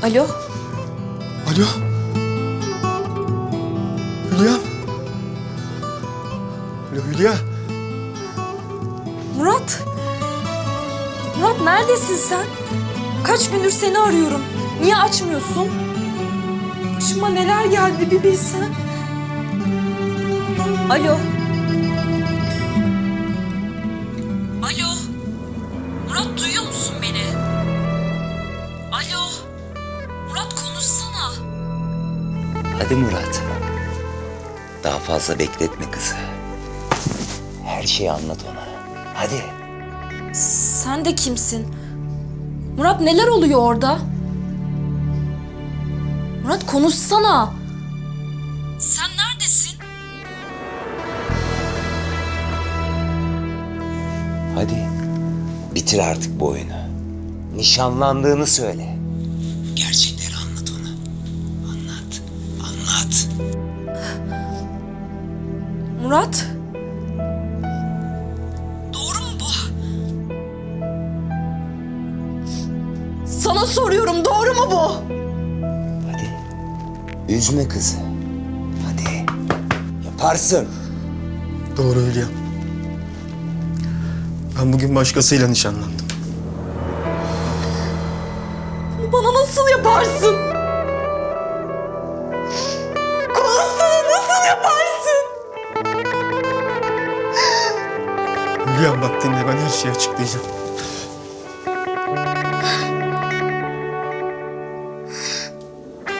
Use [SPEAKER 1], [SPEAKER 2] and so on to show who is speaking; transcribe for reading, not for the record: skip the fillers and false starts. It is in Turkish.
[SPEAKER 1] Alo?
[SPEAKER 2] Alo? Hülya? Alo Hülya?
[SPEAKER 1] Murat? Murat neredesin sen? Kaç gündür seni arıyorum. Niye açmıyorsun? Başıma neler geldi bir bilsen. Alo? Alo? Murat duyuyor musun beni? Alo? Murat konuşsana.
[SPEAKER 3] Hadi Murat. Daha fazla bekletme kızı. Her şeyi anlat ona. Hadi.
[SPEAKER 1] Sen de kimsin? Murat neler oluyor orada? Murat konuşsana. Sen neredesin?
[SPEAKER 3] Hadi. Bitir artık bu oyunu. Nişanlandığını söyle. Gerçekleri anlat ona. Anlat. Anlat.
[SPEAKER 1] Murat? Doğru mu bu? Sana soruyorum, doğru mu bu?
[SPEAKER 3] Hadi. Üzme kızı. Hadi. Yaparsın.
[SPEAKER 2] Doğru Hülya. Ben bugün başkasıyla nişanlandım.
[SPEAKER 1] Bunu bana nasıl yaparsın? Konuşsana, nasıl yaparsın?
[SPEAKER 2] Hülya bak dinle, ben her şeyi açıklayacağım.